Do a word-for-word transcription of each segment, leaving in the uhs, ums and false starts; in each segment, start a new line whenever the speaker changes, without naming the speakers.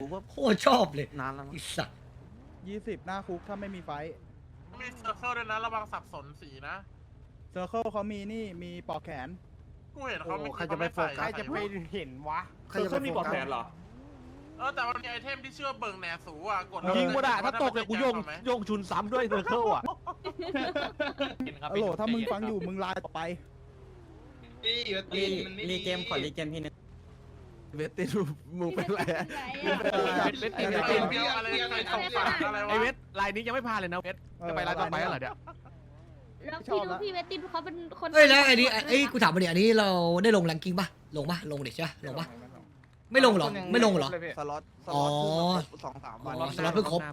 ว่า
โคตรชอบเลย
นานแล้ว
ไอ้สัส
ยี่สิบหน้าคุกถ้าไม่มีไฟ
มีเซอร์เคิลด้วยนะระวังสับสนสีนะ
เซอร์เคิลเขามีนี่มีปอกแขน
กูเห็นเขาไม่
ใครจะไปโฟกัส
ใครจะไป
เห็นวะ
ใครจะไปโฟกัสเหรอ
เออแต่มันมีไอเทมที่ชื่อว่าเบิงแหนสูอ่ะกด
ยิงก็ได้ถ้าตกเนี่ยกูโยงโยงชุนซ้ำด้วยเซอร์เคิลอ่ะ
ฮัลโหลถ้ามึงฟังอยู่มึงไลน์ต่อไป
รีรีเกมขอรีเกมทีนึง
เวทติดมึงเป็นไร
เวท
ไอ
เวท
เทมเดียวอะไรใครตกฝาอะไรวะ
ไอเวทลายนี้ยังไม่ผ่านเลยนะเวทจะไปลายต่อไปแล้วเหรอเนี่ย
แล้วพี่ดูพี่เวตตินเขาเป็นคน
เอ้ยแล้วไอ้นี่ไอ้ยกูถามมาดิอันนี้เราได้ลงแรงกิ้งป่ะลงป่ะลงดิใช่ปะลงป่ะไม่ลงเหรอไม่ลงเหรอ
สล็อตส
อ๋
ล็
อ
อตสองสามวัน
อ๋อสล็อตเพิ่งครบ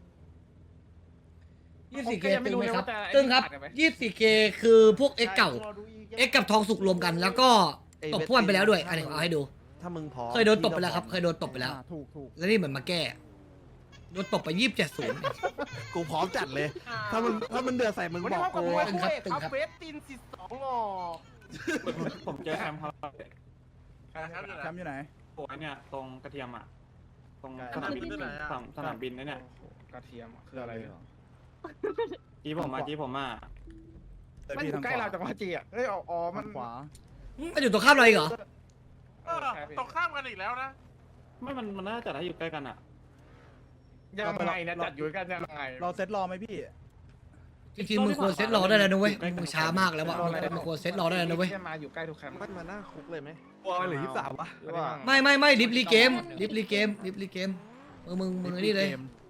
ยี่สิบสี่เคตึงไหมครับตึงครับยี่สิบสี่เคคือพวกเอ็กเก่าเอ็กกับทองสุกรวมกัน แล้วก็ตบพวนไปแล้วด้วยอันนี้เอาให้ดู
ถ้ามึงพร้อม
เคยโดนตบไปแล้วครับเคยโดนตบไปแล้ว
อ่าถูกถูก
แล้วนี่เหมือนมาแก้โดนตบไปยี่สิบเจ็ดศูนย์
กูพร้อมจัดเลย ถ้ามึงถ้ามันเดือดใส่มึงบอกกู
ตึงครับตึงครับ
เวทตินสิบสองหรอ
ผมเจอแคมป์เขา
ครับอยู่
แคมป์อยู่ไหน
โอ้ยเนี่ยตรงกระเทียมอ่ะตรง
สนามบินที่ไหนอ่ะ
ฝั่งสนามบินนั่นเนี่ย
กระเทียมคืออะไร
จีผมมาจีผมมา
มันอยู่ใกล้เราจังหวะจีอ่ะเฮ้ยอ๋อมั
ทาน งขวา
มันอยู่ตรงข้ามเราอีกเหรอ
เออตกข้ามกันอีกแล้วนะ
ไม่มันมันน่าจะได้อยู่ใกล้กันอ่ะ
ยังไงนะจัดอยู่กันยังไง
เราเซตรอไหมพี่
จริงๆมึงควรเซตรอได้แล้วนะเว้ยมึงช้ามากแล้วว่ะมึงควรเซตรอได้แล้วนะเว้ย
มาอยู่ใกล้ทุกแคมป์
มันมาหน้าคุกเลยไหม
วอลหรือยี่สิบสามวะ
หรือว่า
ไม่ไม่ไม่ลิฟลีเกมลิฟลีเกมลิฟลีเกมมึงมึงมึงไอ้นี่เลย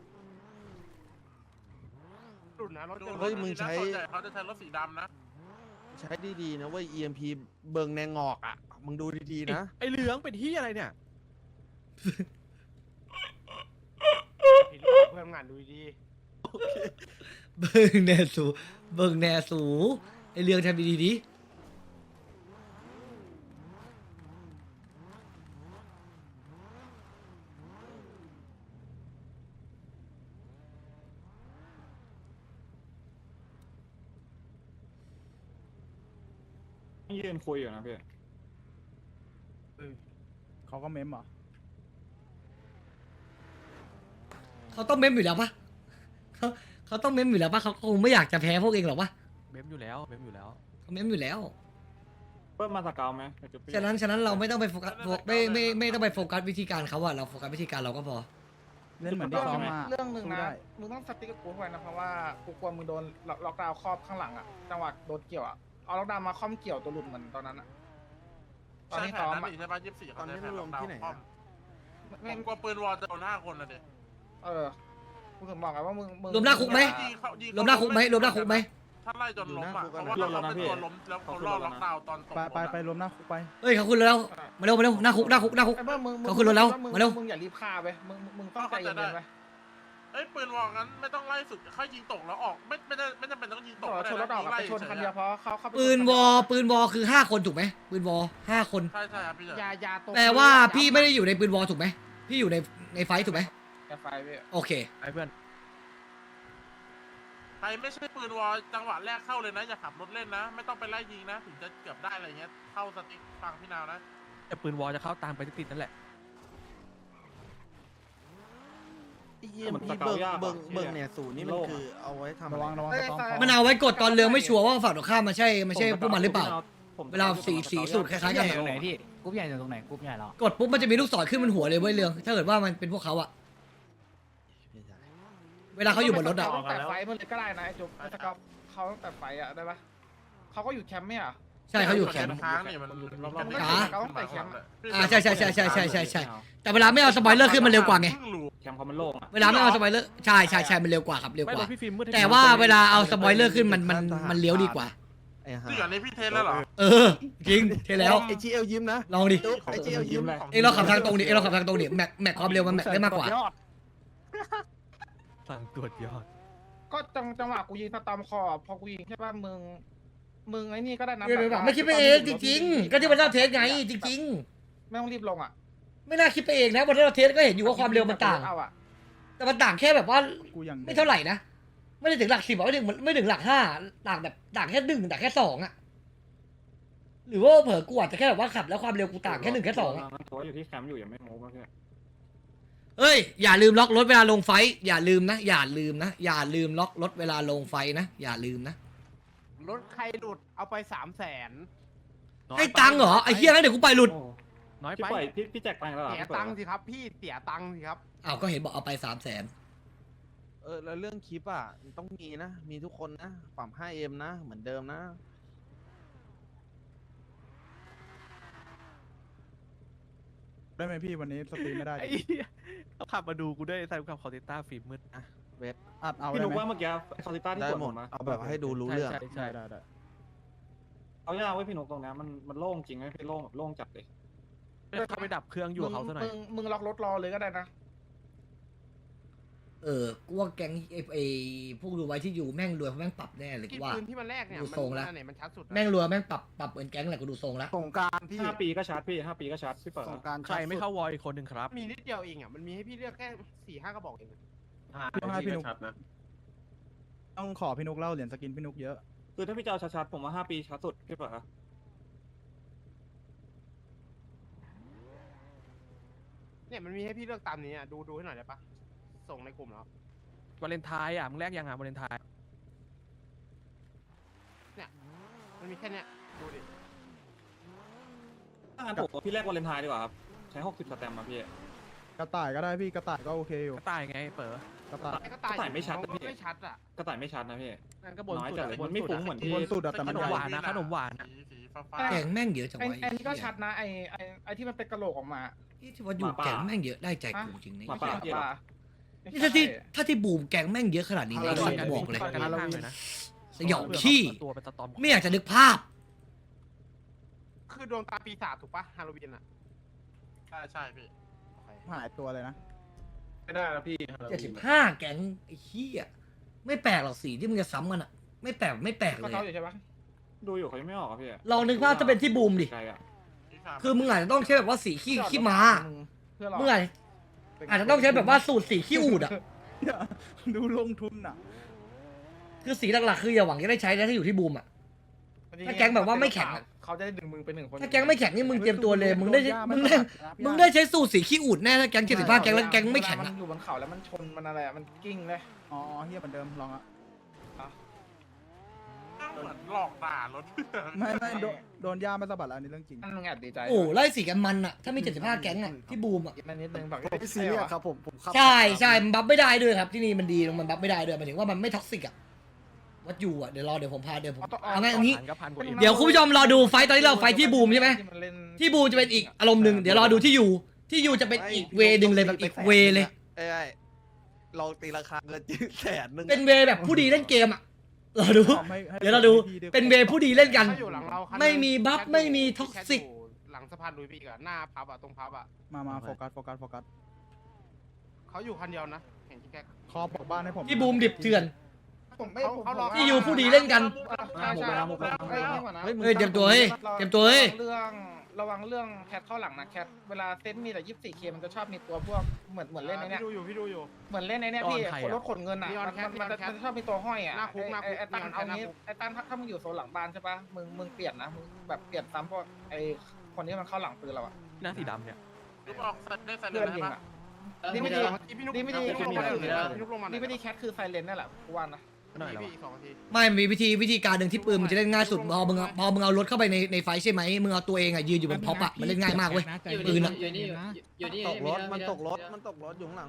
ดุนนะรถ
เฮ้ยมึงใช้
ส่วนญ่เขาจะใช้รถสีดำนะ
ใช้ดีๆนะเว้ย อี เอ็ม พี เบิงแนงงอกอ่ะ มึงดูดีๆนะ
ไอเหลืองเป็นที่อะไรเนี่ยเพื่อนงานดูดี
เบิ่งแน่สูเบิ่งแน่สูไอเรื่องทำดีๆดิ
ยืนคุยอยู่นะพี่
เขาก็เมมเหรอ
เขาต้องเม้มอยู่แล้วปะเขาเขาต้องเม้มอยู่แล้วปะเขาคงไม่อยากจะแพ้พวกเองหรอกปะ
เบมอยู่แล้วเบมอยู่แล้ว
เขาเม้มอยู่แล้ว
เพิ่มมาสเกลไหมเดี๋ยวจะเปลี่ยน
ฉะนั้นฉะนั้นเราไม่ต้องไปโฟกัสโฟไม่ไม่ไม่ต้องไปโฟกัสวิธีการเขาอะเราโฟกัสวิธีการเราก็พอ
เล่นเหมือนที่ซ้อมมา
เรื่องหนึ่ง
สู้
นะ
ได้
มึงต้องสติ๊กกับกูไว้นะเพราะว่ากูกลัวมึงโดนล็อกดาวน์ครอบข้างหลังอ่ะจังหวะโดนเกี่ยวอ่ะเอาล็อกดาวน์มาค่อมเกี่ยวตัวหลุดเหมือนตอนนั้นอ่ะตอน
ใช่
ที่
แผ
ซ้
น
อม
นั้น
อ่ะ
นี่ใช่ปะยี่สิบสี่
ตอนนี้
เขาใช้แผน
รวมที่ไหน
คอ
อะ
มผมกลัวปืนวอลจะโดนห้าคนนะเด็ก
เออกูถึงบอกไงว่ามึงมึง
รวมหน้าคุกไหม รวมหน้าคุกไหมรวมหน้าคุกไหม
ถ้าไล่จนล้มอ่ะเพราะว่าเราเป็นตัวล้มแล้วเขาล่อล็อกดาวน์ตอนตก
ไปไปไปรวมหน้าคุกไป
เฮ้ยเขาขึ้นแล้วมาเร็วมาเร็วหน้าคุกหน้าคุกหน้าคุก
ไอ้เบิ้มมึง
เขาขึ้นรถแล้ว
มึง
มาเร็ว
มึงอย่ารีบฆ่าไปมึงมึงต้องใจเย็นๆไป
เอ้ยปืนวอลงั้นไม่ต้องไล่สุดค่อยยิงตกแล้วออกไม่ไม่ได้ไม่จำเป็นต้องยิงตก
ต่อ
ก็ได้
ชนรถออก
ยิง
ไป
ไล่
ชนคันเดียวเพราะเขาเขา
ปืนวอปืนวอคือห้าคนถูกไหมปืนวอห้าคน
ใช่ใช่ครับพี่เจ๋
ยายาตัว
แปลว่าพี่ไม่ได้อยู่ในปืนวอถูกไหมพี่อยู่ในในไฟท์ถูกไหม
แกไฟพี่
โอเค
ไอ้เพื่อน
ใครไม่ใช่ปืนวอลจังหวะแรกเข้าเลยนะอย่าขับรถเล่นนะ ไม่ต้องไปไล่ยิงนะถึงจะเกือบได้อะไรเงี้ยเข้าสติ๊กฟังพี่นาวนะ
แต่ปืนวอลจะเข้าตามไปติดๆนั่นแหละ
อี เอ็ม พี เบิงเบิงเบิงเนี่ยศูนย์นี่มันคือเอาไว้ทำ
ระวังระวัง
เอ้
ส
ย
ตอม
ใส่
เขา
มันเอาไว้กดตอนเรือไม่ชัวร์ว่าฝั่งตรงข้ามมันใช่ไม่ใช่พวกมันหรือเปล่า
ผม
เวลาสีสีสูตรคล้ายๆกัน
ตรงไหนพี่
กรุ๊ปใหญ่อยู่ตรงไหนกรุ๊ปใหญ่เหรอก
ดปุ๊บมันจะมีลูกศรขึ้นบนหัวเลยเว้ยเรืองถ้าเกิดว่ามันเป็นพวกเขาอะเวลาเขาอยู่บนรถอะ
ตั้งแต่ไฟมันเลยก็ได้นะไอ้จุ๊บไอ้สกอปเขาตั้งแต่ไฟอ่ะได้ปะเขาก็อยู่แคมป์ไม่อ่ะ
ใช่เขาอยู่แคมป์
ค้างนี่มัน
ขา
เขาต้องไปแคมป์อะ
อ่าใช่ใช่ใช่ใช่ใช่ใช่ใช่แต่เวลาไม่เอาสปอยเลอร์ขึ้นมันเร็วกว่าไง
แคมป์เขามันโล่งอ่ะ
เวลาไม่เอาสปอยเลอร์ใช่ใช่ใช่มันเร็วกว่าครับเร็ว
ไม่
ก
ร
ว่า
ถพี่ฟิล์มมืด
แต่ว่าเวลาเอาสปอยเลอร์ขึ้นมันมันมันเลี้ยวดีกว่า
ไอ้ห่า
ที่ก่อนนี้พี่เทสแล้วเหรอ
เออจริงเทแล้ว
ไอจีเอลยิ้มนะ
ลองดิ
ตุ๊กไอจีเอลยิ้ม
เองเราขับทางตรงดิเองเราขับทางตรงดิแม็กแม็กความเร็วมันแม็กได้มากกว่า
สั่งตรวจยอด ก็จังจังหวะกูยิงสตอมคอพอกูยิงใช่ป่ะมึงมึงไอ้นี่ก็ได้นะ
เดี๋ยวๆไม่คิดไปเองจริงๆก็ที่มันเล่าเทสไงจริง
ไม่ต้องรีบลงอ่ะ
ๆ ไม่น่าคิดไปเองนะวันที่เราเทสก็เห็นอยู่ว่าความเร็วมันต่าง
เอาอ่ะ
แต่มันต่างแค่แบบว่า
กูยัง
ไม่เท่าไหร่นะไม่ได้ถึงหลักสิบไม่ถึงไม่ถึงหลักห้าต่างแบบต่างแค่หนึ่งต่างแค่สองอะหรือว่าเผลอกูอาจจะแค่แบบว่าขับแล้วความเร็วกูต่างแค่หนึ่งแค่สองอะ
ตัวอยู่ที่แคมป์อยู่ยังไม่โม้ก็แค่
เอ้ยอย่าลืมล็อกรถเวลาลงไฟท์อย่าลืมนะ อย่าลืมนะ อย่าลืมล็อกรถเวลาลงไฟท์นะ อย่าลืมนะ
รถใครหลุดเอาไปสามแสน
ให้ตังค์เหรอไอ้เหี้ยงั้นเดี๋ยวกูไปหลุด
น้อย
พี่
ไป
ปล่อยพี่พี่แจกตังค์แล้วเหรอ
เสียตังค์สิครับพี่เสียตังค์สิครับ
อ้าวก็เห็นบอกเอาไปสามแสน
เออแล้วเรื่องคลิปอ่ะต้องมีนะ มีทุกคนนะปรับ ห้าเอ็ม นะ เหมือนเดิมนะ
ได้ไหมพี่วันนี้สตรีมไม่ได้
ไอ้เขาขับมาดูกูด้วยใส่ขับคอติต้าฟิล์มมืดนะเวท
อัดเอา
พี่
ได้
นุก
ไหม
ว่าเมื่อกี้คาริต้าที่
ได้
กด
หมด
มา
เอาแบบให้ดูรู้เรื่อง
ใช่ได้ได้
เอายากไว้พี่นุกตรงนี้มันมันโล่งจริงไหมพี่โล่งแบบโล่งจัดเลย
เขาไปดับเครื่องอยู่เขาซะหน่อย
มึงมึงล็อกรถรอเลยก็ได้นะ
เออกูว่าแก๊งไอ้ไอ้พวกดูไว้ที่อยู่แม่งรวยเพราะแม่งปรับแน่เลย
กิ
กู
น
ว่า
ปืนที่มันแรกเนี่ย
ดู
มัน
ทรงแล้ว
อันไหนมันชัดสุดอะ
แม่งรวยแม่งปรับปรับเหมือนแก๊งแหละกูดูทรงแล้ว
สงการพี่
ห้าปีก็ชาร์จพี่ห้าปีก็ชาร์จพี่เปิด
สงการ
ใครไม่เข้าวอลอีกคนหนึ่งครับ
มีนิดเดียวเองอ่ะมันมีให้พี่เลือกแค่สี่ห้ากระบอกเอง
ต้องให้พี่นุกต้องขอพี่นุกเล่าเหรียญสกินพี่นุกเยอะ
คือถ้าพี่จะเอาชาร์จผมว่าห้าปีชาร์จสุดพี่เปิด
เนี่ยมันมีให้พี่เลือกตามนี้อ่ะดูดูให้หน่อยได้ปะส่งในกลุ่มแล้ว
วาเลนไทน์อ่ะ มึงแลกยังอ่ะวาเลนไทน์
มันมีแค่เนี้ยดูดิ
ถ้างั้นผมว่าพี่แรกวาเลนไทน์ดีกว่าครับใช้หกสิบสแตมป์มาพี่
กระต่ายก็ได้พี่กระต่ายก็โอเคอยู่
ก็ตายไงเป๋อก
ระต่าย
ไอ้ก็ตาย
ก็ตายไม่ชัดนะพี่
ไม่ชัดอ่ะ
กระต่ายไม่ชาร์จนะพี่
นั่นก็บน
น้อย
สุด
จัด
อะ
เลย
บ
มัน นไม่
สุด
ฟุ้ง
อะ
เหมือน
บนสุดอะแต่มัน
ขนมหวานนะขนมหวานอะ
สีสีฟ้า
แก๊งแม่งเยอะจัง
ไอ้
วะ
ไอ้นี่ก็ชัดนะไอ้ไอ้ไอ้ที่มันเป็นกระโหลกออกมา
ที่ที่ว่าอยู่แก๊งแม่งเยอะได้ใจกูจริงนี่
หมาป่าพี่เหรอ
นี่ถ้าที่ถ้าที่บูมแก๊งแม่งเยอะขนาดนี้นะ
ก่อนกัน
บอกเลย
ก่อนกันข้างเลยนะ
สยองขี้
ตัวเป็นสตอม
ไม่อยากจะนึกภาพ
คือดวงตาปีศาจถูกปะฮาโลวีนอ่ะ
ใช่ใช่พี่
หายตัวเลยนะ
ไม่ได้แล้วพี่
เจ็ดสิบห้าแก๊งไอ้เหี้ยไม่แปลกหรอกสีที่มึงจะซ้ำกันอ่ะ ไม่แปลกไม่แปลก
ก็
เลย
เขาอยู่ใช่ปะ
ดูอยู่เขายังไม่ออกอ่ะพี่
ลองนึกภาพถ้าเป็นที่บูมดิ
ไกลอ่ะ
คือมึงอาจจะต้องใช้แบบว่าสีขี้ขี้ม้า
เพื่อรอ
มึงอาจอาจจะต้องใช้แบบว่าสูตรสีขี้อูดอ่ะ
ดูลงทุนอ่ะ
คือสีหลักๆคืออย่าหวังจะได้ใช้นะถ้าอยู่ที่บูมอ่ะ ถ้าแก๊งแบบว่าไม่แข็งอะ
เขาจะได้ดึงมึงเป็นหนึ่งคน
ถ้าแก๊งไม่แข็งนี่มึงเตรียมตัวเลย มึงได้มึงได้มึงได้ใช้สูตรสีขี้อูดแน่ถ้าแก๊งเจ็ดสิบห้าแก๊งแล้วแก๊งไม่แข็ง
เวลา
อ่ะ
มันอยู่บนเขาแล้วมันชนมันอะไรอะมันกิ้งเลย
อ๋อเฮียเหมือนเดิมลองอ่ะ
เหมือนหลอกด่ารถ
ไม่ไม่โดนโดนย่าไม่สะบัดแล้วอันนี้เรื่องจริง
นั่นมึงแอบดีใจ
โอ้ไล่สีกันมันอ่ะถ้ามีเจ็ดสิบห้าแก๊งอ่ะที่บูมอ่ะ
นั่นนิดนึงแบบ
พี่ซีเรียสครับผมผมครับ
ใช่ใช่มันบัฟไม่ได้ด้วยครับที่นี่มันดีตรงมันบัฟไม่ได้ด้วยหมายถึงว่ามันไม่ท็อกซิกอ่ะวัดอยู่อ่ะเดี๋ยวรอเดี๋ยวผมพาเดี๋ยวผมเอางั้นอันนี้
พันก็พันกว่าอีก
เดี๋ยวคุณผู้ชมรอดูไฟต์ตอนที่เราไฟต์ที่บูมใช่ไหม
ที่นเล่น
ที่บูมจะเป็นอีกอารมณ์หนึ่งเดี๋ยวรอดูที่ยูที่ยูจะเป็นอีกเวนึงเลยแบบอีกเวเลย
เอ้ยลองตีราคาเงินจืดแสนนึง
เป็นเวแบบผู้ดีเล่นเกมอ่ะรอดู
ให้ให้
เดี๋ยวเราดูเป็นเวผู้ดีเล่นกัน
ถ้าอยู่หลังเราคัน
ไม่มีบัฟ
แคท
ไม่มี
ยู่
ท็อกซิก
แคทยู่หลังสะพานลุยปีกอะหน้าพับอะตรงพับอะ
มามาโฟกัสโฟกัสโฟกัส
เขาอยู่คันเดียวนะเห็นที่แก
คอบอกบ้านให้ผม
ที่บูมดิบเถื่อน
ผมไม่
เขา
ผม
เขารอ
ที่อยู่ผู้ดีเล่นกัน
ใช่ใช่เอ้ยนี่ก่อนนะ
เฮ้ยเตรียมตัวเฮ้ยเตรียมตัวเฮ้ย
เรื่องระวังเรื่องแคทเข้าหลังนะแคทเวลาเซตมีแต่ ยี่สิบสี่เค มันจะชอบมีตัวพวกเหมือนเหมือนเล่นในเนี้ย
พี่ดูอยู่พี่ดูอยู่
เหมือนเล่นในเนี้ย
ตอน
พี่
ใคร
คน
อะ
รถขนเงินอ่ะ
นีออน
มัน
แคท
มันจะ
นีออนแคท
มันจะชอบมีตัวห้อยอ่ะ
หน้าคุกหน้าคุก
ไอ้ไอ้ตัน
นีออนแคท
เอา
หน้า
งี้
คุก
ไอ้ตันถ้าถ้ามึงอยู่โซนหลังบ้านใช่ปะมึงมึงเปลี่ยนนะมึงแบบเปลี่ยนซ้ำพวกไอ้คนที่มันเข้าหลังปืนเราอ่ะ
หน้าสีดำเนี่ย
ลูกออกได้ใส่เล
เพื่อน
ย
ยิง
ปะ
อ่ะนี่ไม่ดี
พี่นุ๊ก
นี่ไม่ดี
พี่นุ๊กลงมาหน่อยพี่นุ๊กลงมาหน่
นี่
อย
ไม่ดีแคทคือไซเลนนั่นแหละกูว่านะ
หน่อย
พี่
แล้ว
พี่อีกสองนาที
ไม่มีวิธีวิธีการหนึ่งที่ปืนมันจะเล่นง่ายสุดพอมึงเอาพอมึงเอารถเข้าไปในในไฟใช่ไหมมึงเอาตัวเองอ่ะยืนอยู่บนพ็อปอ่ะมันเล่นง่ายมากเว้ยปืนอ่ะ
อยู่นี่อยู่นี่
ตกรถมันตกรถมันตกรถอยู่ข้างหลัง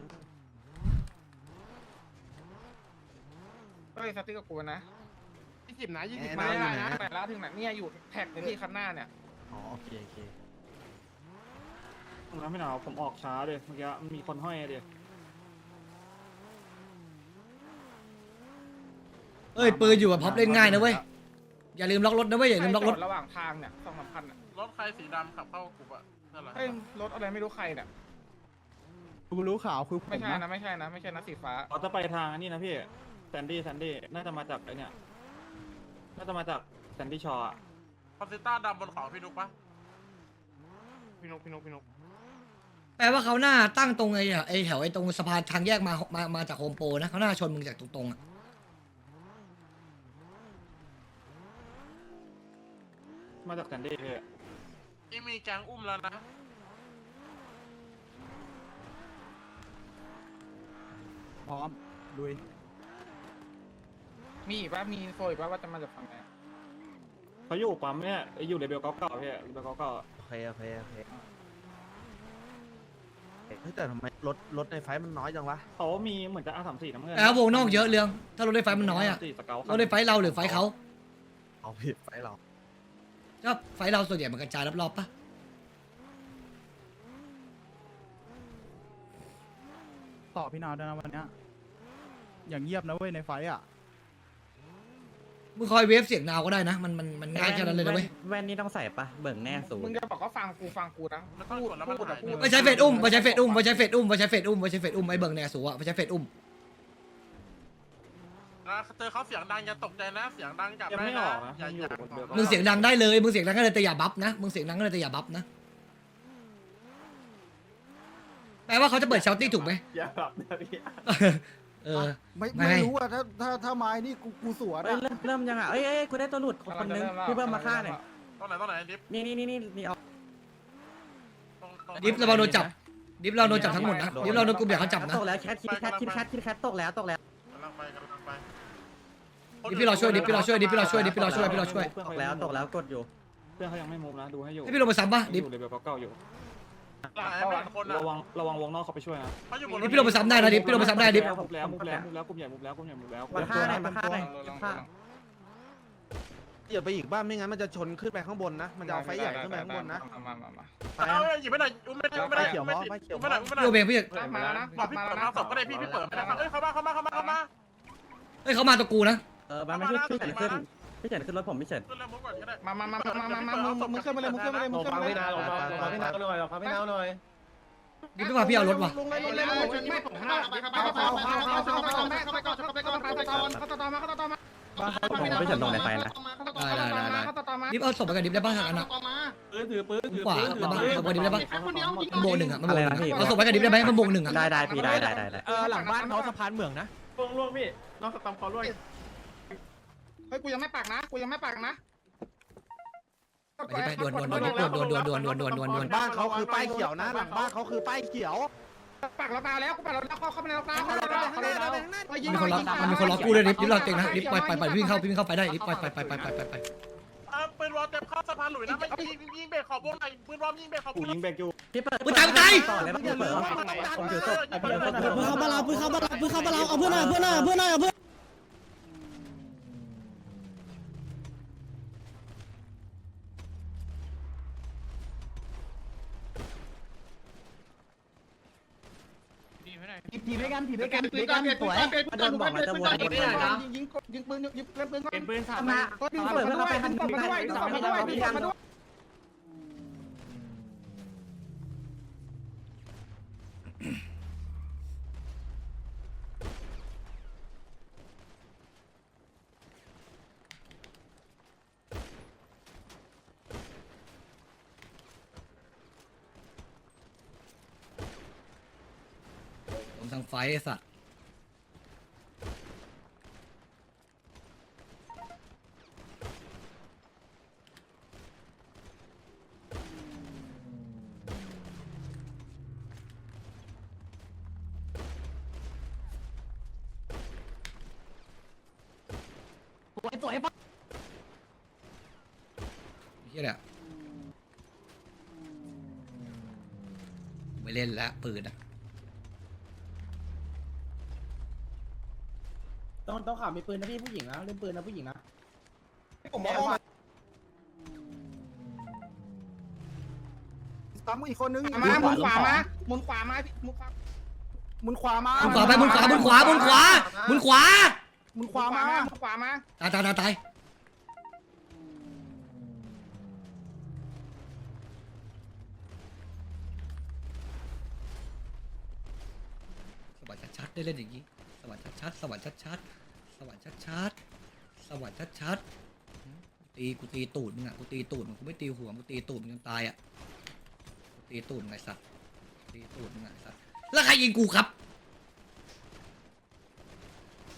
เฮ้ยสติ๊กกับกูนะ
ยี่สิบนะยี่สิบ
มา
มา
ได้
ได้
นะ
นะ
แต่ละถึงไหนเนี่ยอยู่แท็กในที่คันหน้าเนี่ย
อ๋อโอเคโอเค
ตรงนั้นไม่หนาวผมออกช้าเลยเมื่อกี้มันมีคนห้อยเดีย
เอ้ยปืนอยู่กับพ็อปเล่นง่ายนะเว้ยอย่าลืมล็อกรถนะเว้ยอย่าลืมล็อกรถ
ใคจดระหว่างทางเนี่ยสองสามพันอ่ะ
รถใครสีดำขับเข้ากลุ่มอะนั่นแหละ
เฮ้ยรถอะไรไม่รู้ใครเนี่ย
กูรู้ข่าวคือผม
ไม่ใช่
นะ
นะไม่ใช่นะไม่ใช่นะสีฟ้า
เขาจะไปทางอันนี้นะพี่แซนดี้แซนดี้น่าจะมาจากไอเนี่ยน่าจะมาจากแซนดี้ชออะ
คอนซิต้าดำบนเขาพี่นุ๊กปะ
พี่นุ๊กพี่นุ๊กพี่นุ๊ก
แปลว่าเขาหน้าตั้งตรงไอ้ไอ้แถวไอ้ตรงสะพานทางแยกมามามาจากโฮมโปรนะเขาหน้าชนมึงจากตรงๆอ่ะ
มาจากแซนดี้พี่
ที่มีแก๊งอุ้มแล้วนะ
พร้อมลุย
มีอีกป่ะมีอินโฟอีกป่ะว่าจะมาจากฝั่งไหน
เขาอยู่ปั๊มเนี่ยอยู่เลเวลเก้าเก้าพี่เลเวลเก้าเก้า
โอเคโอเคโอเคเฮ้ยแต่ทำไมรถรถในไฟท์มันน้อยจังวะ
เขามีเหมือนจะอาสามสี่น้ำเงิน
แล้ววงนอกเยอะเรื่องถ้ารถไฟฟ้ามันน้อยอ่ะ
สี่สเกล
รถไฟฟ้าเราหรือไฟเขา
เอาผิดไฟท์เรา
ก็ไฟเราส่วนใหญ่มันกระจายรอบๆปะ
ต่อพี่นาวด้วยนะวันเนี้ยอย่างเงียบนะเว้ยในไฟท์อ่ะ
มึงคอยเวฟเสียงนาวก็ได้นะมันมันมันง่ายแค่นั้นเลยนะเว้ย
แว่นนี่ต้องใส่ปะเบิ่งแน่สู
มึงจะบอกก็ฟังกูฟังกูนะ
มันต้องกดแล้วมัน
พูด
หาย
พูด
ไม่ใช้เฟดอุ้มไม่ใช้เฟดอุ้มไม่ใช้เฟดอุ้มไม่ใช้เฟดอุ้มไม่ใช้เฟดอุ้มไอ้เบิ่งแนวสูงอะไม่ใช้เฟดอุ้ม
นะเจอเขาเสียงดังอย่าตกใจนะเสียงดังกลับ
ยัง
ได้
ไม่อ
นะ
อกนะ
อย่า
ยังอ
อย่า
ยู่บนเรือ
มึงเสียงดังได้เลยมึงเสียงดังก็เลยแต่อย่าบัฟนะมึงเสียงดังก็เลยแต่อย่าบัฟนะแปลว่าเขาจะเปิดเชลตี้ถูกไหม
อย่าหลับนะพี่
เออ
ไม่
ไม่
ไม่รู้อ่ะถ้าถ้าถ้าไม้นี่กูกูสวน
เอ้ย
อ่ะ
เริ่มเริ่มยังอ่ะเอ้ยเอ้ยกูได้ตัวหลุดคนนึงพี่เบิ้มมาฆ่าหน่อย
ต้องไหนต้องไหนดิฟ
นี่นี่นี่นี่นี่เอา
ต้องต้อง
ดิฟระวังโดนจับดิฟเราโดนจับทั้งหมดนะดิฟเราโดนกลุ่มใหญ่เขาจับนะ
ตกแล้วแคทคิดแคทคิดแคทคิดแคทตกแล้วตกแล้ว
กำลังไปกำลังไป
ดิฟพี่เราช่วยดิฟพี่เราช่วยดิฟพี่เราช่วยดิฟพี่เราช่วยพี่เราช่วย
ตกแล้วตกแล้วกดอยู่
เพื่อนเขายังไม่มุมนะดูให้อยู่
ให้พี่ลงมาซ้ำป่ะดิฟ
อยู่เลเวลเก้าเก้าอยู่
หลายแปดคนอะ
ระวังระวังวงนอกเขาไปช่วยนะ
เขาอยู่บน
ดิฟพี่ลงมาซ้ำได้นะดิฟพี่ลงมาซ้ำได้ดิฟ
มุมแล้วมุมแล้วมุมแล้วกลุ่มใหญ่มุมแล้วกลุ่มใหญ่มุมแล้ว
มาฆ่าหน่อยมาฆ่าหน่อยฆ่า
อย่าไปอีกบ้านไม่งั้นมันจะชนขึ้นไปข้างบนนะมันจะเอาไฟท์ใหญ่ขึ้นไปข้างบนนะ
มามามา
เอาหยิบไปหน่อยอุ้มไม่ได้อุ้มไม่ได้
เขียว
ไม่
มอ
ติด
ไฟเขียว
อุ้มไม่ได้อุ้มไม่ได้
พี่โอเบงพี่
มาแล้วนะ
บอกพี่
มา
เปิ
แล้วนะ
ดมาศพก็ได้พี่พี่เปิดไม่ได้เอ้ยเข้ามาเข้ามาเข้ามาเข้ามา
เฮ้ยเขามาตัวกูนะ
เออมาไม่ช่วยพี่เฉินขึ้นพี่เฉินขึ้นรถผมพี่เฉิน
ขึ้นแล้วมุกก่อนก็ได้
มามามามามามามึงมึงขึ้นมาเลยมึงขึ้นมาเลยมึงขึ้นมาเลย
พี่นาวหน่อยพาพี่นาวหน่อย
ดิฟไม่มาพี่เอารถว่ะ
ลงเลยลงเลยลงเลยไม่ตกห้าไปไปไปไปไปไปไปเข้าไปก่อนเข้าไปก่อนเข้าไปก่อนเข้าต่อมาเข้าต่อมา
พี่เฉินลงในไฟนะ
ได้ได้ได้ได้
เข้าต่อมา
ดิฟเอาศพไปกับดิฟได้ป่ะทางนั้นอะ
ปืนถือปืนถือ
ขวาได้ป่ะเอาไปดิฟได้ป่ะมันโบกหนึ่งอะมันโบ
อะไร
กหนึ่
นะ
ง
พี่
อะเอาศพไปกับดิฟได้ไหมมันโบกหนึ่งอะ
ได้ได้พี่ได้ได้ได้ได้
เออหลังบ้านเขาสะพานเหมืองนะ
ล่วงล่วงพี่น้องสตัมเขาล่วง
เฮ้ยกูยังไม่ปากนะกูยังไม่ปากนะ
ไปดิไปด่วนด่วนด่วนด่วนด่วนด่วนด่วนด่วนด่วนด่วนด่วน
บ้านเขาคือป้ายเขียวนะหลังบ้านเขาคือป้ายเขียว
ปากเราตาแล้วกูปากเราแล้วเข้าไปในเราตาเข้าไปในเราเข้าไปในเรา
มีคนล็อกมันมีคนล็อกกูด้วยดิฟดิฟเราเต็งนะดิฟปล่อยปล่อยปล่อยวิ่งเข้าวิ่งเข้าไปได้ดิฟปล่อยปล่อยปล่อยปล่อยปล่อยปล่อยปล่อย
เออปืนวอลเต็มเข้าสะพานหลุยนะไม่ยิงยิงเบรกขอบวงไหนปืนวอลยิงเบรกขอบ
กู
วง
ยิงเบรกอยู่
พี่เปิด
มึงตายมึงตาย
ต่อเลยพี่เปิดผมถือศพพี่เปิด
เพื่อนเข้ามาเราเพื่อนเข้ามาเราเพื่อนเข้ามาเราเอาเพื่อนหน่อยเพื่อนหน่อยเพื่อนหน่อยเอาเพื่อน
ถีบด้วยกันถีบด้วยกัน
ปืนกันสวย
โดนบอกมาจะวน
ยิงยิงยิงยิงปืนยิงปืนปืน
เป็นปืนสาม
มา
ก็ดึงศพมาด้วยดึงศพมาด้วยดึงศพมาด้วยดึงศพมาด้วย
ผมทางไฟไอ้สัตว์เฮียแหละไม่เล่นแล้วปืนอะ
ต้องต้องข่าวมีปืนนะพี่ผู้หญิงนะเล่นปืนนะผู้หญิงนะ
ผมบอกว่า
ตามอีกคนนึง
มาหมุนขวามาหมุนขวามาหมุนขวา
มุนขวามา
บนขวาไปบนขวาบนขวาบนขวาบนขวา
มุนขวามา
หมุนขวามา
ตายตายตายตายสวัสดีชัดๆได้เล่นอย่างนี้สวัสดีชัดๆสวัสดีชัดๆสวัสดีชัดๆสวัสดีชัดๆตีกูตีตูดมึงอ่ะกูตีตูดมึงกูไม่ตีหัวกูตีตูดมึงจนตายอ่ะกูตีตูดมึงไงสัตว์ตีตูดมึงไงสัตว์แล้วใครยิงกูครับ
เราได้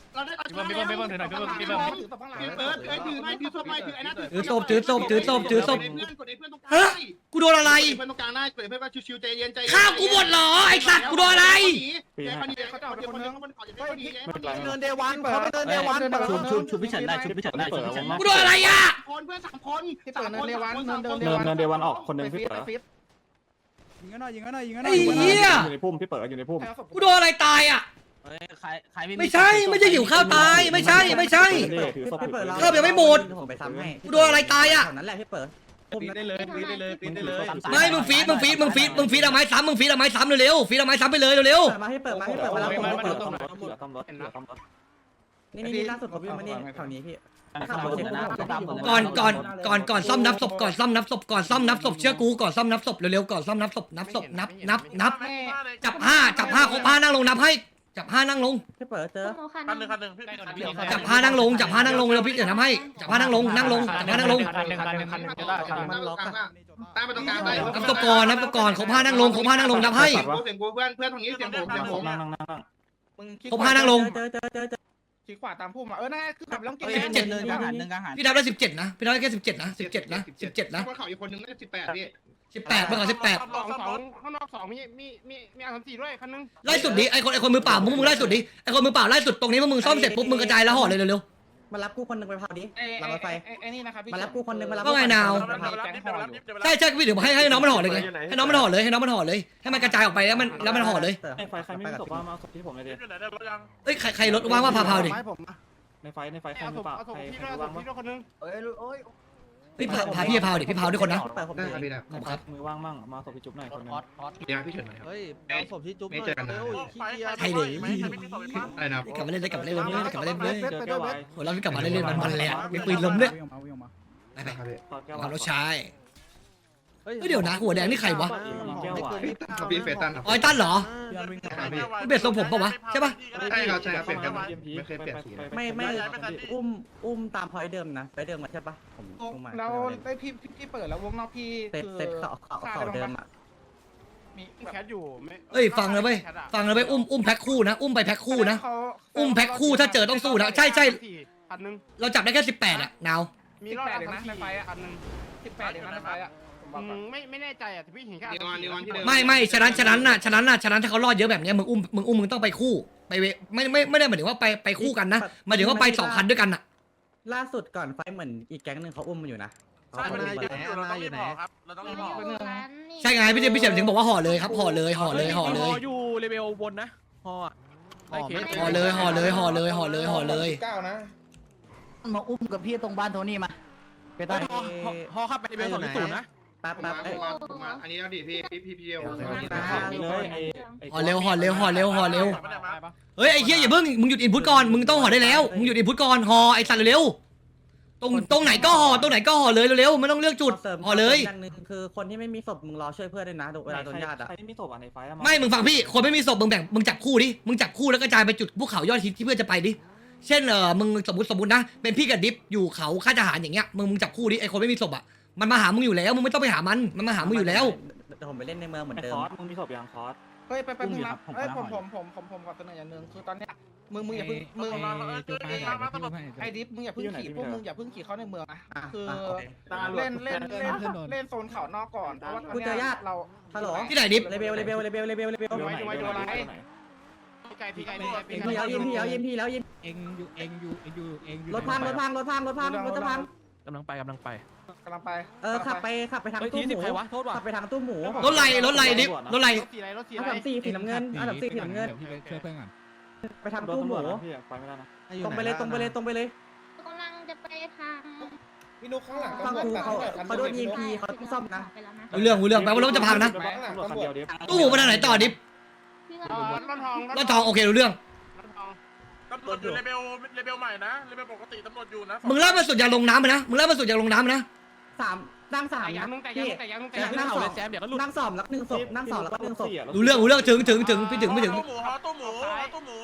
พี่เบิร์ดพี่เบิร์ดถือหน่อยพี่เบิร์ดพี่เบิร์ดถือศพข้างหลัง
พี่เบิร์ดถือถือไม่ถือศพไม่ถือไอ้นั่น
ถือศพถือศพถือศพถือศพ
เพื่อนกดไอ้เพื่อนตรงกลาง
ฮะกูโดนอะไร
เพื่อนตรงกลางได้กดไอ้เพื่อนว่าชิวๆใจเย็นใจ
ข้าวกูหมดเหรอไอ้สัตว์กูโดนอะไร
เขาจะเอาคนนึงคนก่อนจะได้ดี
เนินเดวันเขาไปเนินเดวัน
ชุบชุบชุบพี่เฉินได้ชุบพี่เฉินได้ชุบพี่เฉินได้
กูโดนอะไรอ่ะ
คนเพื่อนสามคน
พี่เปิดเนินเดวันเนินเดิน
เนินเนินเดวันออกคนหนึ่งพี่เปิด
ยิงกันหน่อยยิงกันหน่อยยิงกันหน่
ไอ้
อย
เหี้ย
อยู่ในพุ่มพี่เปิดอยู่ในพุ่ม
กูโดนอะไรตายอ่ะ
ใครใคร
ไม่ใช่ไม่ใช่หิวข้าวตายไม่ใช่ไม่ใช่
ถือศพ
พี่เปิด
ข้าวยังไม่หมด
ผมไปซ้ำให้
กูโดนอะไรตายอ่ะ
แถวนั้นแหละพี่เปิด
ปีนได้เลยปีนได้เลยปีนได้เลย
ไม่มึงฟีดมึงฟีดมึงฟีดมึงฟีดเอาไม้ซ้ำมึงฟีดเอาไม้ซ้ำเร็วๆฟีดเอาไม้ซ้ำไปเลยเร็ว
เปิดมาให้เปิดมาให้เปิดมาแล้วผม
เปิ
เปิ
ด
ด
ต้อมรถต้อมรถต้อมรถ
นี่นี่ล่าสุดผมอยู่มานี่แถวนี้พี่
ๆก่อนก่อนก่อนก่อนซ่อมนับศพก่อนซ่อมนับศพก่อนซ่อมนับศพเชื่อกูก่อนซ่อมนับศพเร็วๆก่อนซ่อมนับศพนับศพนับนับนับจับห้าจับห้าครบห้านั่งลงนับให้จับห้านั่งลง
พี่เปิดเจอ
โมคัน
คันหนึ่งคันหนึ่งพี่คันเดียว
จับผ้านั่งลงจับผ้านั่งลงเร็วพี่เดี๋ยวทำให้จับผ้านั่งลงนั่งลงจับผ้านั่งลง
คันหนึ่งคันหนึ่งคันหนึ่งจะได้คันหนึ่ง
มันล็อกอะตามไปตรงกลางไป
นับตะกอนนับตะกอนเขาผ้านั่งลงเขาผ้านั่งลงนับให้
เสียงกูเสียงกูเพื่อนเพื่อนตรงนี้เสียงผมเสียงผม
นั่งนั่งนั่งนั่ง
มึง
เขาผ้านั่งลง
เจอเจอเจอเจอ
คลิกขวาตามพุ่มอ่ะเออนั่นคือขับแล้วเก่ง
เจ็ด
เนินกลางหันเนินกลางหัน
พี่นับได้สิบเจ็ดนะพี่นับได้แค่สิบเจ็ดนะสิบเจ็ดนะสิบเจ็ดนะ
คนเขาอีกคนนึงน่าจะสิบแปดพี่
สิบแปดเมื่อก่อนสิบแปด
สองสองข้างนอกสองมีมีมีมีอาร์สี่ด้วยคันนึง
ไล่สุดดิไอคนไอคนมือเปล่ามึงมึงไล่สุดดิไอคนมือเปล่าไล่สุดตรงนี้พวกมึงซ่อมเสร็จปุ๊บมึงกระจายแล้วห่อเลยเร็ว
มารับกูคนหนึ่งไปเผาดิ
ไอ้
หลังรถไฟ
ไอ้ไอ้นี่นะครับพี่
มารับกูคนหนึ่งมารับ
ว่าไงนาว
เดี๋ยวไปรับเดี๋ยวไปรับเดี๋ยวไปรับ
ใช่ใช่พี่ถึงบอกให้ให้น้องมันห่อเลยไงให้น้องมันห่อเลยให้น้องมันห่อเลยให้มันกระจายออกไปแล้วมันแล้วมันห่อเลย
ในไฟใครไม่มีศพว่ามาศพที่ผมเลยดิ
อยู่ไหนได้รถยัง
เอ้ยใครใครรถว่างว่าพาพาวดิ
ในไฟในไฟใคร
เอา
มี
ศพ
เปล่า
เอาศพ
ใคร
พี่
ใคร
ด้วยศ
วาง
พ
มั้
พี่ด้วยคนนึง
เอ้ยโอ้ย
เฮ้ยพาพาพี่พาวดิพี่พาวด้วยคนนะ
เปิดผม
ได้
เลย
ครับพี่นะ
ขอบคุณครับ
มือว่างมั่งมาศพไปจุ๊บหน่อยคนนึง
เดี๋ยวพี่เฉินหน่อยครับ
เฮ้ยเอาศพที่จุ๊บหน่อยเร็วขี้เกียจ
ใช่เลย
ไหมใครไม่มีศพอีกปะ
อะไรนะ
กลับมาเล่นเลยกลับมาเล่นเลยกลับมาเล่นเลย
เจอแก้วไว้
โหเรากลับมาเล่นๆมันๆเลยอ่ะมีปืนล้มด้วย
วิ่งออกมาวิ่งออกมา
ไปไป
ครับพี่
ขอแก้ว
เอารถชาย
เฮ้ย
เฮ้ยเดี๋ยวนะหัวแดงนี่ใครวะ
ครับพี่เฟตันครับ
อ๋อไอ้ตั้นเหรอ
พี่อันวิ่ง
ครับพี่
เบียดทรงผมปะวะใช่ปะ
ใช่ครับใช่ครับ
เปลี่ยน
เปลี่ยน
กั
กัน น ไม่เคยเปลี่ยนสี
ไม่ไม่อุ้มอุ้มตามพอยเดิมนะไปเดิมมาใช่ปะผมอุ้มมา
แล้วได้พี่พี่เปิดแล้ววงนอกพี่
เซต
คือ
เซตเขาเขาเขาเดิมอ่ะ
มีแคทอยู่ไม่
เอ้ยฟังนะเว้ยฟังนะเว้ยอุ้มอุ้มแพ็คคู่นะอุ้มไปแพ็คคู่นะ อุ้มแพ็คคู่ถ้าเจอต้องสู้นะใช่ใช่
พันหนึ่ง
เราจับได้แค่สิบแปดอะนาว
มีรอบเองนะในไฟอ่ะพันหนึ่งสิบแปดเองนะในไฟอ่ะไม่ไม่แน่ใจอ่ะแต่พี่เห็นแค่
นิวอนนิวอนที่เดิม
ไม่ไม่ฉะนั้นฉะนั้นน่ะฉะนั้นน่ะฉะนั้นถ้าเขารอดเยอะแบบเนี้ยมึงอุ้มมึงอุ้มมึงต้องไปคู่ไปเวไม่ไม่ไม่ได้หมายถึงว่าไปไปคู่กันนะหมายถึงว่าไปสองคันด้วยกันน่ะ
ล่าสุดก่อนไฟเหมือนอีกแก๊งหนึ่งเขาอุ้มมันอยู่นะ
ใช่มันอยู่เราต้องรีบห่อครับเราต้องรีบห่อ
ใช่ไงพี่เจมส์พี่เจมส์ถึงบอกว่าห่อเลยครับห่อเลยห่อเลยห่อเลย
อยู่เลเวลบนนะห่ออะ
ห่อไม่
ห่อเลยห่อเลยห่อเลยห่อเลยห่อเลย
เก้านะ
มาอุ้มกับพี่ตรงบ้านโทนี่มาไปตา
ห่อขับไปเลเวลสองศูนย์นะ
แป๊บ
มา
แป๊บ
มามาอันนี้แล้วดิพี่พี่พี่พี่เดียว
เลยไอ้ไอ้
ห่อเร็วห่อเร็วห่อเร็วห่อเร็วเฮ้ยไอ้เหี้ยอย่าเพิ่งมึงหยุดอินพุตก่อนมึงต้องห่อได้แล้วมึงหยุดอินพุตก่อนห่อไอ้สัตว์เร็วตรงตรงไหนก็ห่อตรงไหนก็ห่อเลยเร็วๆไม่ต้องเลือกจุดห่อเลย
อย่างหนึ่งคือคนที่ไม่มีศพมึงรอช่วยเพื่อนด้วยนะเวลาโดนญาติอ่ะ
ใครมีศพอ่ะในไฟ
ไม่มึงฟังพี่คนไม่มีศพมึงแบ่งมึงจับคู่ดิมึงจับคู่แล้วกระจายไปจุดภูเขายอดฮิตที่เพื่อนจะไปดิเช่นเออมึงสมมติสมมตินะเป็นพี่กับดิฟอยู่เขาค่ายทหารอย่างเงี้ยมึงมึงจับคู่ดิไอ้คนไม่มีศพอ่ะมันมาหามึงอยู่แล้วมึงไม่ต้องไปหามันมันมาหามึงอยู่แล้ว
เดี๋ยวผมไปเล่นในเมืองเหมือน
ไอ้
เดิ
ค
ม
อร์สมึงมีศพยังคอร์ส
เฮ้ยไปไปมึงนะเฮ้ยผมผมผมผมผมขอเสนออย่างหนึ่งคือตอนเนี้ยมึงมึงอย่าเพิ่งมึงไอ้ดิฟมึงอย่าเพิ่งขี่พวกมึงอย่าเพิ่งขี่เข้าในเมืองนะคือเล่นเล่นเล่นเล่นโซนเขานอกก่อนเพราะว่าตอนเนี้ยเรา
ฮัลโหล
ที่ไหนดิฟ
เลเวลเลเวลเลเวลเลเวลเลเวล
ไกลพี่ไกลพี่ไกลพี่
ยิมพี่แล้วยิมพี่แล้วยิมพี่แล้วยิม
เองอยู่เองอยู่เองอยู่เองอยู่
รถพังรถพังรถพังรถพังรถจะพัง
กำลังไปกำลังไป
กำลังไป
เออขับไปขับไปทาง
เฮ้ย
ตู้
ที
ห
สิบ
มู
ใครวะโทษว่ะ
ขับไปทางตู้หมู
รถไหลรถไหลดิฟรถไหล
รถสีอะไรรถสีอะ
อัน
ไร
ดับสี่สีน้ำเงินอันดับสี่สีน้ำเงิน
พี่ไปช่วยเพื่อนก่อน
ไปทาง
รถ
ตู้ห
ตำร
มู
วจนะพี่ไปไม่ได้นะ
ตรงไปเลยตรงไปเลยตรงไปเลย
กำลังจะไปทาง
พี่นุ๊กข้างหลัง
ฟังครูเขาเขาโดนยิงพีเขาซ่อมนะ
ไปแล้วนะ
รู้เรื่องรู้เรื่องแปลว่ารถจะพังนะ
ตำรวจคันเดียวดิ
ตู้หมูไปทางไหนต่อดิฟ
พี่
ร
ก็
ถรถทอง
รถทองโอเครู้เรื่อง
รถทอง
ตำรวจอยู่เลเวลเลเวลใหม่นะเลเวลปกติตำรวจอยู่นะ
มึงเล่ามาสุดอย่าลงน้ำไปนะมึงเล่ามาสุดอย่าลงน้ำนะ
สามนั่งสาม
แต่ยั
นะ
งนุ่งแต่ยั
พี่
งแต่ยังนุ่งแต่
แต่
ยัง
ขึ้นเขาเลยแซมเดี๋ยวก็หลุด
นั่งสอบแล้วหนึ่งศพนั่งสอบแล้วก็หนึ่งศพ
รู้เรื่องรู้เรื่องถึงถึงถึงพี่ถึงไม่ถึง
ตู้หมูฮอตู้หมูฮอตู้หมู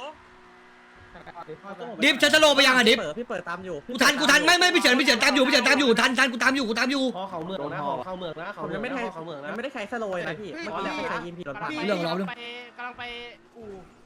ดิฟชัชโลไปยังอ่ะดิฟ
เปิดพี่เปิดตามอยู่
กูทันกูทันไม่ไม่พี่เฉินพี่เฉินตามอยู่พี่เฉินตามอยู่ทันทันกูตามอยู่กูตามอยู่
ห่อเขาเมืองนะห่อเขาเมืองนะ
ผมยังไม่ได้
เขาเมืองนะ
ยังไม่ได้ใช้สโลยนะพี่เมื่อกี้ใช้ยิมพีรถพัง
เรื่องเราเรื่อง
ไปกำลังไปอู่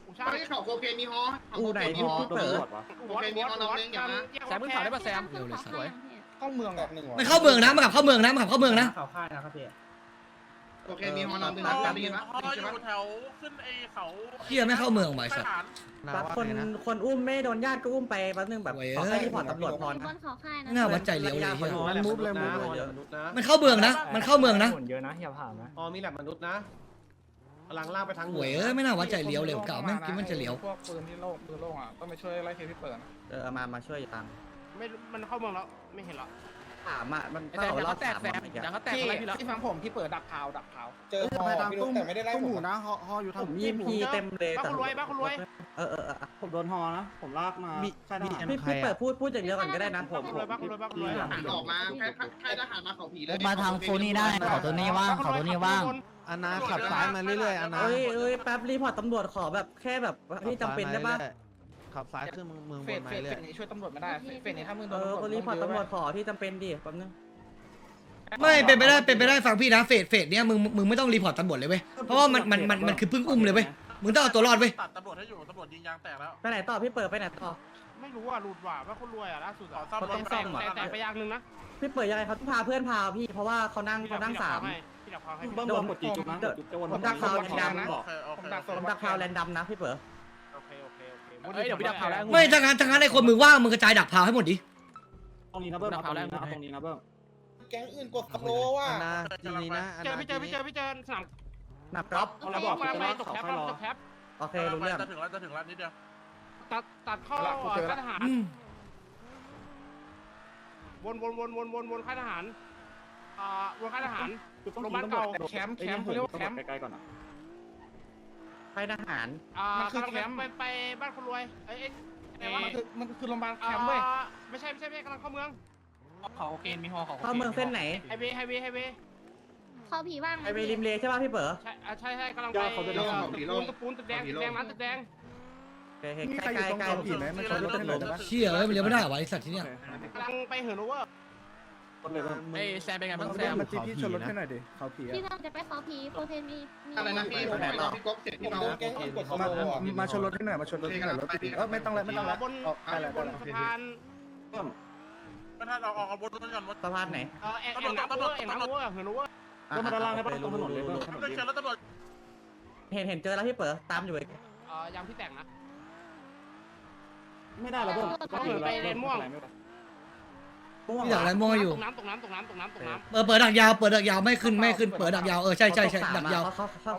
ใช่
ไม่เขาโคเคนมีฮอ
อูไหน
มี
พี่
ฮอ
พี่เปิด
โคเคนมีฮอน้องเล้งอย่างนะ
แซมมึงถอยได้ป่ะแซม
เร็วเลยสวย
เข้าเมือง
แบ
อ่ะ
บหนึ่ง
มันเข้าเมืองนะมันขับเข้าเมืองนะมันขับเข้าเมืองนะ
เขาค่ายนะครับพี่
โคเคนมีฮอน้องหนึ่ง
ฮ
นะ
อ
จำได้ยินปะ
ฮออยู่แถวขึ้นไอ้เขา
เชี่ยไม่เข้าเมืองว่ะไอ้สัตว์
นา
ปั๊บ
ว่า
คน
ไงนะ
คนอุ้มไม่โดนญาติก็อุ้มไปแป๊บนึงแบบ
โว้ย
ขอให้รีพอร์ตตำรวจพอ
มี
นะ
บนเขาค่ายนะ
น่าวัดใจเลี้ยวเลยเหี้ย
มันมูฟเลยมูฟ
เยอะ
มันเข้าเมืองนะมันเข้าเมืองนะ
เยอะนะอย่าผ่านนะ
อ๋อมีแลบมนุษย์นะพลังล่างไปทาง
หวยเอ้ยไม่น่าวัดใจเลี้ยวเลยเก่าแม่งคิดว่าจะเลี้ยว
พวกปืนที่โล่งปืนโล่งอ่ะต้องไปช่วยไล่เคพี่เปิดนะ
เออเอามามาช่วยตังค์
ไม่มันเข้าเมืองแล้วไม่เห็นหรอ
ถามอ่ะมัน
ไอ้แซม
เรา
เดี๋ยว
รอ
เขา
บ
แตก
ถาม
แซม
มาอีก
เดี๋ยว
อะ
เขาแตก
ที่
อะไรพี่แล้ว
ที่ฟังผมพี่เปิดดักเท้าดักเท้า
เจอฮอพี่นุ๊กแต่ไม่ได้ไล่
ตู้
ผ
หมู
ม
นะฮอฮออยู่ทาง
ผมยิมพีเต็มเลย
บ้านคนรวยบ้านคนรวย
เออเออเออ
ผมโดนฮอนะ ผมลากมา
มี
ค่ายท
มี
หาร
เอ็ม
พี่
ใคร
พี่เปิ
อะ
ดพูดพูดอย่างเดียวกันก็ได้นะผม
บ้านคนรวยบ้านคนรวยบ้านคนรวย
ออกมาแค่แค่ทหารมาเขาผีเลย
มาทางโฟนี่ได้ขอตัวนี้ว่างขอตัวนี้ว่าง
อานาขับซ้ายมาเรื่อยๆอานา
เอ้ยเอ้ยแป๊บรีพอร์ตตำรวจขอแบบแค่แบบพี่จำเป็นได้ปะ
ขับซ้ายขึ้นเมืองเมือง
เฟ
บ
ด
นมา
เฟด
เรื่
เฟ
อย
ดนี้ช่วยตำรวจไม่ได้เฟดนี้ถ้ามึงโด
เอน อ
ตำรวจ
ก็รีพอร์ตตำรวจขอที่จำเป็นดิแป๊บนึง
ไม่เป็นไปได้เป็นไปได้ฟังพี่นะเฟสเฟสเนี้ยมึงมึงไม่ต้องรีพอร์ตตำรวจเลยเว้ยเพราะว่ามันมันมันมันคือเพิ่งอุ้มเลยเว้ยมึงต้องเอาตัวรอดเว้ย
ตัดตำรวจให้อยู่ตำรวจยิงยางแตกแล้ว
ไปไหนต่อพี่เปิดไปไหนต่อ
ไม่รู้อ่ะหลุดว่ะบ้านคนรวยอ่ะล่าสุด
ขอซ่อมรถ
แต่แต่แต่ไปยางนึงนะ
พี่เปิดยังไงเขาพาเพื่อนพาพี่เพราะว่าเขานั่งเขานั่งสาม
พี่ดักพาให้
เบิ้มโดนหมดกี่จุดนะจุดจะวน
ผมดักเขาแรนดัม
โอเคโอ
ผม
เค
ดักโซ
ผมดักพาวแรนดัมนะพี่เปิด
โอเคโอเคโอเค
เอ้ยเดี๋ยวพี่ดักเผาแล้ว
ไม่ถ้างั้นถ้างั้นไอ้คนมึงว่างมึงกระจายดักพาวให้หมดดิ
ตรงนี้นะเบิ้มเอาตรงนี้นะเอาตรงนี้นะเบิ้ม
แก๊งอื่นกดสโลว่ะ
อานาทีนี้นะอา
เจอ
นา
พี่เจอพี่เจอพี่เจอสนาม
หนับรับ
โอเค
เราบอก
กำลัง
จะ
ไป
รอ
ตก
เขา
แคป
ค่อยรอ
ตกแคป
โอเครู้เรื่อง
จะถึงแล้วจะถึงแล้วนิดเดียว
ตัดตัดเข้าค่ายทหาร
อืม
วนวนวนวนวนวนค่ายทหารอ่าวนค่ายทหาร
คือต้อง
โรงพยาบาลเก่าแคมป์แคมป์เขาเรียกว่าแคมป์
ใกล้ๆก่อนอ่ะ
ไปทหาร
อ่ามันคือแคมป์ไปไปบ้านคนรวยเอ้ยเอ้ยมันคือมันคือโรงพยาบาลแคมป์เว้ยไม่ใช่ไม่ใช่ไม่ใช่กำลังเข้าเมือง
เขาโอเคมีฮอเขา
เข้าเมืองเส้นไหน
ไฮเวย์ไฮเวย์ไฮเวย์
เขาผีบ้าง
ไอเวริมเลใช่ป่ะพี่เปิด
ใช่ใช่ใช่กำลังไปตะปูนตะปูนตึกแดงตึกแดงร้านตึกแดง
โอเคใกล้ใกล้ใกล้
ผีไหมมันชนรถให้หน่อยได้ปะ
เชี่ยเอ้ยมันเลี้ยวไม่ได้วะไอ้สัตว์ที่เนี้ย
กำลังไปเหินโอเวอร์
คนเลยเบิ้ม
ไอ้แซมเป็นไงบ้างแซม
มันจีพี่ชนรถให้หน่อยดิเขาผี
พี่เราจะไปเขาผีโปรเทนมีมี
อะไรนะพี่ผมบอกพี่ก๊อฟเสร็จพี่น้องแก๊งอื่นกดสโลอ่ะ
มาชนรถให้หน่อยมาชนรถให้หน่อยรถติดเออไม่ต้องแล้วไม่ต้องแล้ว
บน
ไปแล้ว
บนสะพาน
เบิ้ม
ไม่ทันเราออกอาวุธกันก่อนว่า
สะพานไหน
เออแอนแอนน้ำโอเวอร์แอนน้ำโอเวอร์เหินโอเวอร์
เบิ้มมาด้านล่างได้ปะตรงถนนเลยเบิ้มถนน
ไม่
ดี
เจอแล้วตำรวจ
เห็นเห็นเจอแล้วพี่เปิดตามอยู่เอง
เออยางพี่แตกนะ
ไม่ได้แล้วเบิ้มก็คือเราเบิ้มม่วง
พี่ดักอะไรมองอยู่
ตกน้ำตกน้ำตกน้ำตกน้ำตกน้ำ
เปิดเปิดดักยาวเปิดดักยาวไม่ขึ้นไม่ขึ้นเปิดดักยาวเออใช่ใช่ใช่ดักยาว
เขาเขา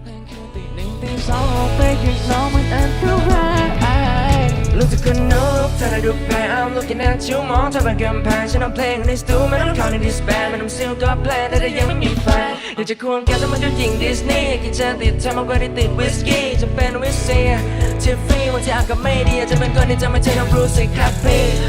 รู้สึกคนนุกถ้าได้ดูแพ้ I'm looking at you มองเธอเป็นกำแพงฉันเอาเพลงในสตูไม่ต้องเข้าในดิสแบนไม่ต้องซิลก็เพลงแต่ถ้ายังไม่มีแฟนอยากจะควงแกแต่มันดูหญิงดิสนีย์กินจะติดเธอมากกว่าที่ติดวิสกี้จะเป็นวิสเซียทิฟฟี่วันที่อากาศไม่ดีอาจจะเป็นคนที่จะไม่ใช่น้องบรูซสิครับพี่